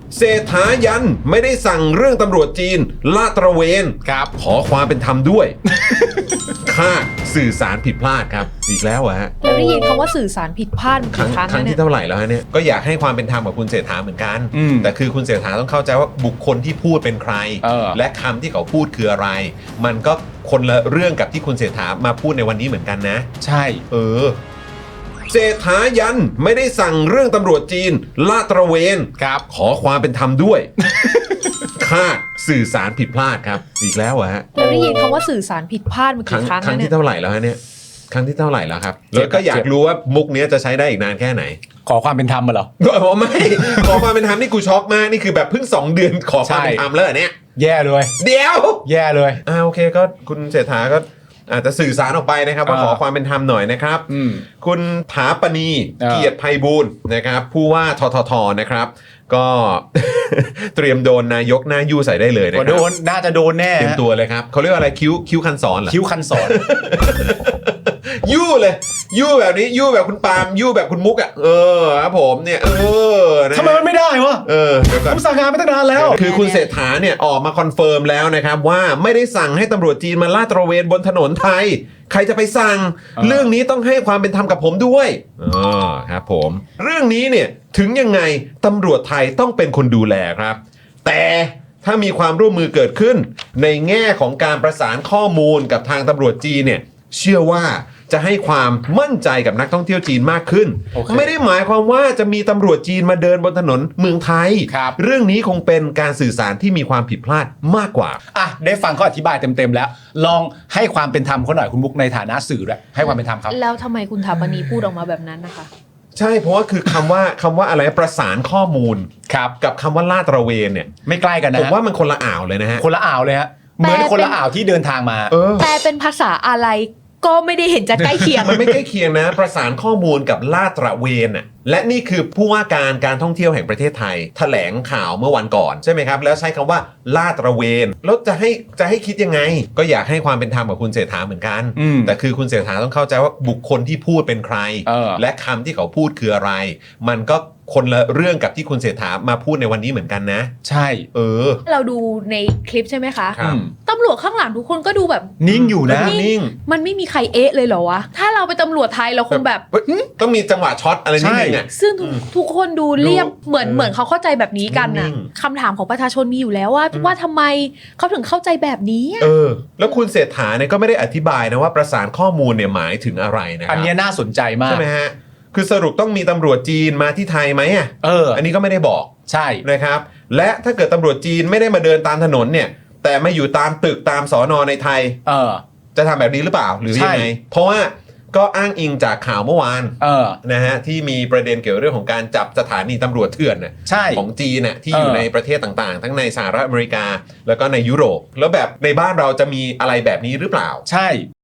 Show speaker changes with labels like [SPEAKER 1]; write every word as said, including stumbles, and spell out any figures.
[SPEAKER 1] เศรษฐายันไม่ได้สั่งเรื่องตำรวจจีนลาดตระเวน
[SPEAKER 2] ครับ
[SPEAKER 1] ขอความเป็นธรรมด้วย คาดสื่อสารผิดพลาดครับอีกแล้วเหรอฮะ
[SPEAKER 3] เราได้ยินคำว่าสื่อสารผิดพลาด
[SPEAKER 1] ครั้
[SPEAKER 3] กี่
[SPEAKER 1] ง
[SPEAKER 3] ครั้ง
[SPEAKER 1] ครั้ง
[SPEAKER 3] แล้วเนี่
[SPEAKER 1] ที่
[SPEAKER 3] ย
[SPEAKER 1] เท่าไหร่แล้วฮะเนี่ยก็อยากให้ความเป็นธรรมกับคุณเศรษฐาเหมือนกัน
[SPEAKER 2] อืม
[SPEAKER 1] แต่คือคุณเศรษฐาต้องเข้าใจว่าบุคคลที่พูดเป็นใคร
[SPEAKER 2] เออ
[SPEAKER 1] และคำที่เขาพูดคืออะไร มันก็คนละเรื่องกับที่คุณเศรษฐามาพูดในวันนี้เหมือนกันนะ
[SPEAKER 2] ใช่
[SPEAKER 1] เออเศรษฐายันไม่ได้สั่งเรื่องตำรวจจีนลาดตระเวน
[SPEAKER 2] ครับ
[SPEAKER 1] ขอความเป็นธรรมด้วย คาดสื่อสารผิดพลาดครับอีกแล้วเหรอฮะ
[SPEAKER 3] เราได้ยินคำว่าสื่อสารผิดพลาดมา
[SPEAKER 1] ครั้
[SPEAKER 3] กี่
[SPEAKER 1] ง
[SPEAKER 3] ครั้ง
[SPEAKER 1] ครั้
[SPEAKER 3] แล้ว
[SPEAKER 1] ง
[SPEAKER 3] เนี่
[SPEAKER 1] ที่
[SPEAKER 3] ย
[SPEAKER 1] เท่าไหร่แล้วฮะเนี่ยครั้งที่เท่าไหร่แล้วครับ
[SPEAKER 2] เจ็
[SPEAKER 1] แล้
[SPEAKER 2] บ
[SPEAKER 1] วก็อยา
[SPEAKER 2] เจ็
[SPEAKER 1] ก
[SPEAKER 2] บ
[SPEAKER 1] รู้ว่ามุกเนี้ยจะใช้ได้อีกนานแค่ไหน
[SPEAKER 2] ขอความเป็นธรรมมาเหรอ
[SPEAKER 1] อ๋อไม่ ขอความเป็นธรรมนี่กูช็อกมากนี่คือแบบเพิ่งสองเดือนขอความเป็นธรรมแล้วเหรอเนี่ย
[SPEAKER 2] แย่เลย
[SPEAKER 1] เดี๋ยว
[SPEAKER 2] แย่เลย
[SPEAKER 1] อ่าโอเคก็คุณเศรษฐาก็อาจจะสื่อสารออกไปนะครับว่า
[SPEAKER 2] อ่า
[SPEAKER 1] ขอความเป็นธรรมหน่อยนะครับ
[SPEAKER 2] อืม
[SPEAKER 1] คุณถาปณี
[SPEAKER 2] เออ
[SPEAKER 1] เกียรติไพบูลย์นะครับผู้ว่าทททนะครับ ก็ เตรียมโดนนายกหน้ายู่ใส่ได้เลยนะค
[SPEAKER 2] ก็
[SPEAKER 1] รับ
[SPEAKER 2] โดน น่าจะโดนแน่
[SPEAKER 1] เตรียม
[SPEAKER 2] ฮะ
[SPEAKER 1] ตัวเลยครับเขาเรียกว่าอะไรคิ้วคิ้วคันสอนเหรอ
[SPEAKER 2] คิ้วคันสอน
[SPEAKER 1] ยู่เลยยู่แบบนี้ยู่แบบคุณปาล์มยู่แบบคุณมุกอ่ะเออครับผมเนี่ยเออนะ
[SPEAKER 2] ทำไมมันไม่ได้วะ
[SPEAKER 1] เออเดี๋ยวก่อน
[SPEAKER 2] ผมสั่งงานมาตั้งนานแล้ว
[SPEAKER 1] คือคุณเศรษฐาเนี่ยออกมาคอนเฟิร์มแล้วนะครับว่าไม่ได้สั่งให้ตำรวจจีนมาลาดตระเวนบนถนนไทย ใครจะไปสั่ง
[SPEAKER 2] อ่า
[SPEAKER 1] เรื่องนี้ต้องให้ความเป็นธรรมกับผมด้วยอ๋อครับผมเรื่องนี้เนี่ยถึงยังไงตำรวจไทยต้องเป็นคนดูแลครับ แต่ถ้ามีความร่วมมือเกิดขึ้น ในแง่ของการประสานข้อมูลกับทางตำรวจจีนเนี่ยเชื่อว่าจะให้ความมั่นใจกับนักท่องเที่ยวจีนมากขึ้น
[SPEAKER 2] โอเค
[SPEAKER 1] ไม่ได้หมายความว่าจะมีตำรวจจีนมาเดินบนถนนเมืองไทย
[SPEAKER 2] ครับ
[SPEAKER 1] เรื่องนี้คงเป็นการสื่อสารที่มีความผิดพลาดมากกว่า
[SPEAKER 2] อ่ะได้ฟังเขาอธิบายเต็มๆแล้ว ลองให้ความเป็นธรรมเขาหน่อยคุณมุกในฐานะสื่อด้วยให้ความเป็นธรรมครับ
[SPEAKER 3] แล้วทำไมคุณถาปณีพูดออกมาแบบนั้นนะคะ
[SPEAKER 1] ใช่เพราะว่าคือคำว่าคำว่าอะไรประสานข้อมูล
[SPEAKER 2] ครับ
[SPEAKER 1] กับคำว่าลาดตระเวนเนี่ย
[SPEAKER 2] ไม่ใกล้กันนะ
[SPEAKER 1] ผม
[SPEAKER 2] ฮะ
[SPEAKER 1] ว่ามันคนละอ่าวเลยนะฮะ
[SPEAKER 2] คนละอ่าวเลยฮะ เหมือนคนละอ่าวที่เดินทางมา
[SPEAKER 1] เออ
[SPEAKER 3] แต่เป็นภาษาอะไรก็ไม่ได้เห็นจะใกล้เคียง
[SPEAKER 1] มันไม่ใกล้เคียงนะ ประสานข้อมูลกับลาดตระเวนน่ะและนี่คือผู้ว่าการการท่องเที่ยวแห่งประเทศไทยแถลงข่าวเมื่อวันก่อนใช่ไหมครับ แล้วใช้คำว่าลาดตระเวนแล้วจะให้จะให้คิดยังไง ก็อยากให้ความเป็นธรรมกับคุณเศรษฐาเหมือนกัน
[SPEAKER 2] อืม
[SPEAKER 1] แต่คือคุณเศรษฐาต้องเข้าใจว่าบุคคลที่พูดเป็นใคร
[SPEAKER 2] เออ
[SPEAKER 1] และคำที่เขาพูดคืออะไร มันก็คนละเรื่องกับที่คุณเศรษฐามาพูดในวันนี้เหมือนกันนะ
[SPEAKER 2] ใช่
[SPEAKER 1] เออ
[SPEAKER 3] เราดูในคลิปใช่ไหมคะ
[SPEAKER 1] ครับ
[SPEAKER 2] อืม
[SPEAKER 3] ตำรวจข้างหลังทุกคนก็ดูแบบ
[SPEAKER 2] นิ่งอยู่นะ
[SPEAKER 1] นิ่ง
[SPEAKER 3] มันไม่มีใครเอ๊ะเลยเหรอวะ ถ้าเราเป็นตำรวจไทยเราคงแบบ
[SPEAKER 1] เฮ้ยต้องมีจังหวะช็อตอะไรนิดนึงอ่ะ
[SPEAKER 3] ซึ่งทุกทุกคนดูเรียบ
[SPEAKER 1] ดู
[SPEAKER 3] เหมือน
[SPEAKER 1] เออ
[SPEAKER 3] เหมือนเขาเข้าใจแบบนี้กัน
[SPEAKER 1] นิ่
[SPEAKER 3] น่ะ
[SPEAKER 1] ง
[SPEAKER 3] คำถามของประชาชนมีอยู่แล้วว่า
[SPEAKER 1] อืม
[SPEAKER 3] ว่าทำไมเขาถึงเข้าใจแบบนี้อะ
[SPEAKER 1] เออ แล้วคุณเศรษฐาเนี่ยก็ไม่ได้อธิบายนะว่าประสานข้อมูลเนี่ยหมายถึงอะไรนะครั
[SPEAKER 2] อันเนี้ยน่าสนใจมาก
[SPEAKER 1] ใช่ไหมฮะ คือสรุปต้องมีตำรวจจีนมาที่ไทยไหมอ่ะ
[SPEAKER 2] เออ
[SPEAKER 1] อันนี้ก็ไม่ได้บอก
[SPEAKER 2] ใช่
[SPEAKER 1] นะครับ และถ้าเกิดตำรวจจีนไม่ได้มาเดินตามถนนเนี่ย แต่มาอยู่ตามตึกตามสอนอในไทย
[SPEAKER 2] เออ
[SPEAKER 1] จะทำแบบนี้หรือเปล่าหรือยังไง
[SPEAKER 2] ใช่
[SPEAKER 1] เพราะว่าก็อ้างอิงจากข่าวเมื่อวาน
[SPEAKER 2] เออ
[SPEAKER 1] นะฮะที่มีประเด็นเกี่ยวเรื่องของการจับสถานีตำรวจเถื่อนน่ะ
[SPEAKER 2] ใช่
[SPEAKER 1] ของจีนน่ะที่อยู่
[SPEAKER 2] เออ
[SPEAKER 1] ในประเทศต่างๆ ทั้งในสหรัฐอเมริกา แล้วก็ในยุโรป แล้วแบบในบ้านเราจะมีอะไรแบบนี้หรือเปล่า
[SPEAKER 2] ใช่